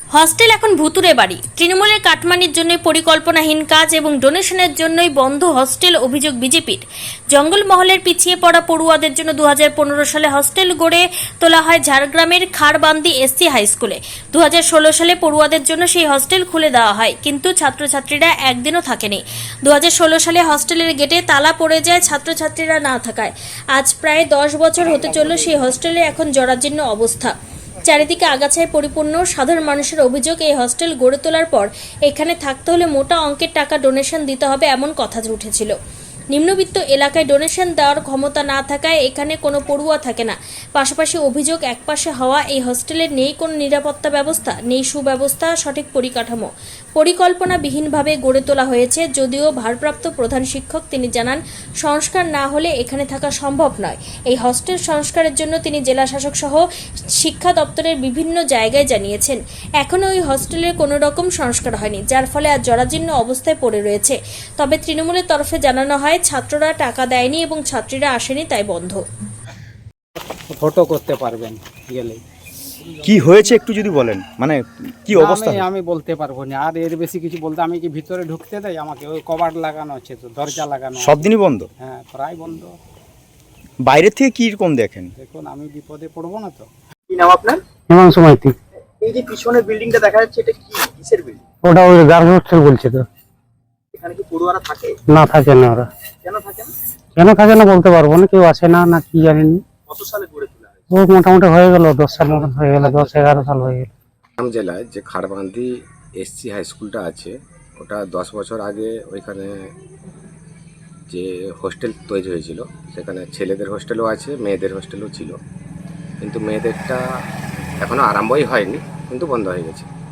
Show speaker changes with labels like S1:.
S1: Hostel এখন ভুতুরে বাড়ি। তৃণমূলের কাটমানির জন্য পরিকল্পনাহীন কাজ এবং ডোনেশনের জন্যই বন্ধ হস্টেল, অভিযোগ বিজেপির। জঙ্গলমহলের পিছিয়ে পড়া পড়ুয়াদের জন্য 2015 সালে হস্টেল গড়ে তোলা হয় ঝাড়গ্রামের খারবান্দি এসসি হাই স্কুলে। 2016 সালে পড়ুয়াদের জন্য সেই হস্টেল খুলে দেওয়া হয়, কিন্তু ছাত্রছাত্রীরা একদিনও থাকেনি। 2016 সালে হস্টেলের গেটে তালা পড়ে যায় ছাত্রছাত্রীরা না থাকায়। আজ প্রায় 10 বছর হতে চলল সেই হস্টেলে এখন জরাজীর্ণ অবস্থা। চারিদিকে আগাছায় পরিপূর্ণ। সাধারণ মানুষের অভিযোগ, এই হস্টেল গড়ে তোলার পর এখানে থাকতে হলে মোটা অঙ্কের টাকা ডোনেশন দিতে হবে, এমন কথা উঠেছিল। নিম্নবিত্ত এলাকায় ডোনেশন দেওয়ার ক্ষমতা না থাকায় এখানে কোনো পড়ুয়া থাকে না। পাশাপাশি অভিযোগ, একপাশে হওয়া এই হস্টেলে নেই কোনো নিরাপত্তা ব্যবস্থা, নেই সুব্যবস্থা, সঠিক পরিকাঠামো। পরিকল্পনাবিহীনভাবে গড়ে তোলা হয়েছে। যদিও ভারপ্রাপ্ত প্রধান শিক্ষক তিনি জানান, সংস্কার না হলে এখানে থাকা সম্ভব নয়। এই হস্টেল সংস্কারের জন্য তিনি জেলা শাসক সহ শিক্ষা দপ্তরের বিভিন্ন জায়গায় জানিয়েছেন। এখনও ওই হস্টেলের কোনো রকম সংস্কার হয়নি, যার ফলে আজ জরাজীর্ণ অবস্থায় পড়ে রয়েছে। তবে তৃণমূলের তরফে জানানো হয়, ছাত্ররা টাকা দেয়নি এবং ছাত্রীরা আসেনি, তাই বন্ধ।
S2: ফটো করতে পারবেন গেলেই।
S3: কি হয়েছে একটু যদি বলেন, মানে কি অবস্থা?
S2: আমি বলতে পারবো না, আর এর বেশি কিছু বলতে। আমি কি ভিতরে ঢুকতে দেয় আমাকে? ওই কভার লাগানো আছে, তো দরজা লাগানো
S3: সব দিনই বন্ধ?
S2: হ্যাঁ, প্রায় বন্ধ।
S3: বাইরে থেকে কি রকম দেখেন?
S2: দেখুন, আমি বিপদে পড়বো না তো।
S4: কি নাম আপনার?
S5: হিমাংশু মাইতি।
S4: এই যে পিছনের বিল্ডিংটা দেখা যাচ্ছে, এটা কি কিসের বিল্ডিং?
S5: ওটা ওই গার্লস হোস্টেল বলছে তো।
S4: এখানে কি পড়ুয়ারা থাকে?
S5: না, থাকে না ওরা।
S4: কেন থাকে না?
S5: কেন থাকে না বলতে পারবো না, কেউ আসে না, না কি জানিনি।
S4: কত সালে গড়ে তোলা হয়েছে?
S5: ও মোটামুটি হয়ে গেল 10 সাল মতন হয়ে গেল, 10-11 সাল হয়ে গেল।
S6: ঝাড়গ্রাম জেলায় যে খারবান্দি এসসি হাই স্কুলটা আছে, ওটা 10 বছর আগে ওইখানে যে হোস্টেল তৈরি হয়েছিল, সেখানে ছেলেদের হোস্টেলও আছে, মেয়েদের হোস্টেলও ছিল। কিন্তু মেয়েদেরটা এখনও আরম্ভই হয়নি, কিন্তু বন্ধ হয়ে গেছে।